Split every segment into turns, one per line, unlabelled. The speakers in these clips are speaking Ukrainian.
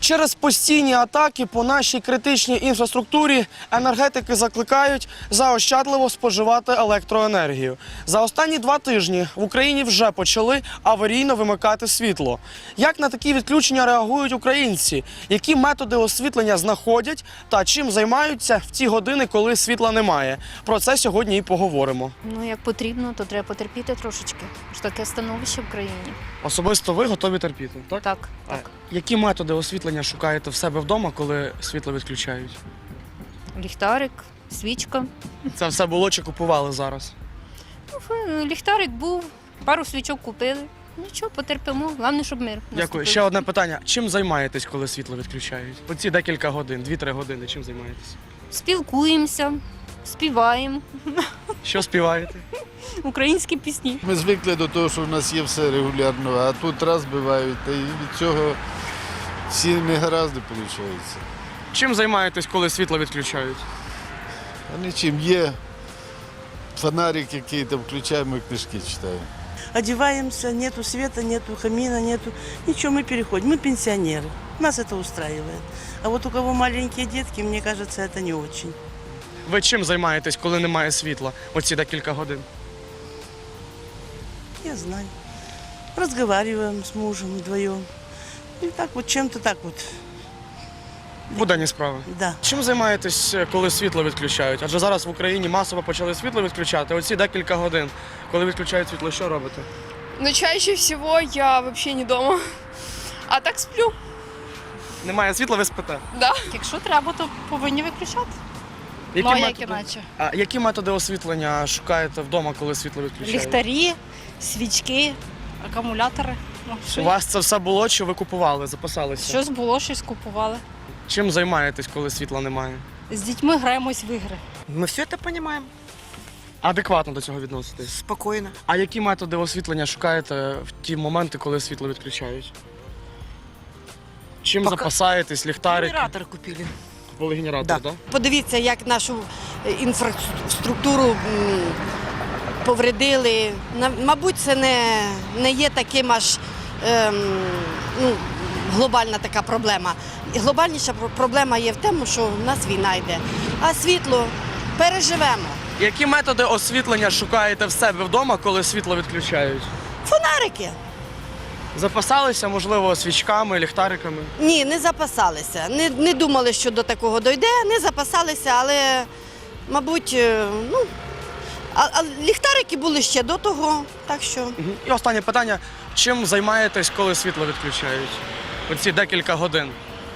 Через постійні атаки по нашій критичній інфраструктурі енергетики закликають заощадливо споживати електроенергію. За останні 2 тижні в Україні вже почали аварійно вимикати світло. Як на такі відключення реагують українці? Які методи освітлення знаходять та чим займаються в ті години, коли світла немає? Про це сьогодні і поговоримо.
Ну, як потрібно, то треба потерпіти трошечки. Ж таке становище в країні.
Особисто ви готові терпіти, так?
Так.
Які методи освітлення шукаєте в себе вдома, коли світло відключають?
Ліхтарик, свічка.
Це все було чи купували зараз?
Ну, ліхтарик був, пару свічок купили. Нічого, потерпимо. Головне, щоб мир.
Дякую.
наступив.
Ще одне питання. Чим займаєтесь, коли світло відключають? Оці декілька годин, 2-3 години, чим займаєтесь?
Спілкуємося, співаємо
Що співаєте?
українські пісні.
Ми звикли до того, що в нас є все регулярно, а тут раз бувають, та і від цього всі негаразди виходить.
Чим займаєтесь, коли світло відключають?
А нічим є фонарик, який там включаємо і книжки читаємо.
Одеваемся, нету света, нету камина, нету ничего, мы переходим. Мы пенсионеры, нас это устраивает. А вот у кого маленькие детки, мне кажется, это не очень.
Ви чим займаєтесь, коли немає світла? Оці декілька годин.
Я знаю. Разговариваем с мужем вдвоем. И так вот, чем-то так вот,
Буденні справи.
да.
Чим займаєтесь, коли світло відключають? Адже зараз в Україні масово почали світло відключати. Оці декілька годин, коли відключають світло, що робите?
Но чаще всего я вообще не дома. А так сплю.
Немає світла, ви спите?
Да.
Якщо треба, то повинні виключати.
Які
Ну, а як іначе?
Які методи освітлення шукаєте вдома, коли світло відключають?
Ліхтарі, свічки, акумулятори. Ну,
У вас це все було, чи ви купували, запасалися?
Щось було, щось купували.
Чим займаєтесь, коли світла немає?
З дітьми граємось в ігри.
Мы все это понимаем
Адекватно до цього відноситесь.
спокойно.
А які методи освітлення шукаєте в ті моменти, коли світло відключають? Чим
Пока-
запасаєтесь, ліхтарики?
Генератор купили.
Купили генератор,
Да.
так?
Подивіться, як нашу інфраструктуру повредили. Мабуть, це не є таким аж глобальна така проблема. Глобальніша проблема є в тому, що в нас війна йде. А світло переживемо.
Які методи освітлення шукаєте в себе вдома, коли світло відключають?
Фонарики?
Запасалися, можливо, свічками, ліхтариками?
Ні, не запасалися. Не думали, що до такого дойде, не запасалися, але, мабуть, а ліхтарики були ще до того, так що...
І останнє питання. Чим займаєтесь, коли світло відключають? Оці декілька годин.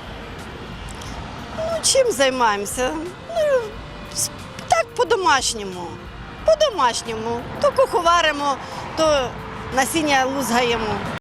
Чим займаємося? Так, по-домашньому. По-домашньому. То куховаримо, то насіння лузгаємо.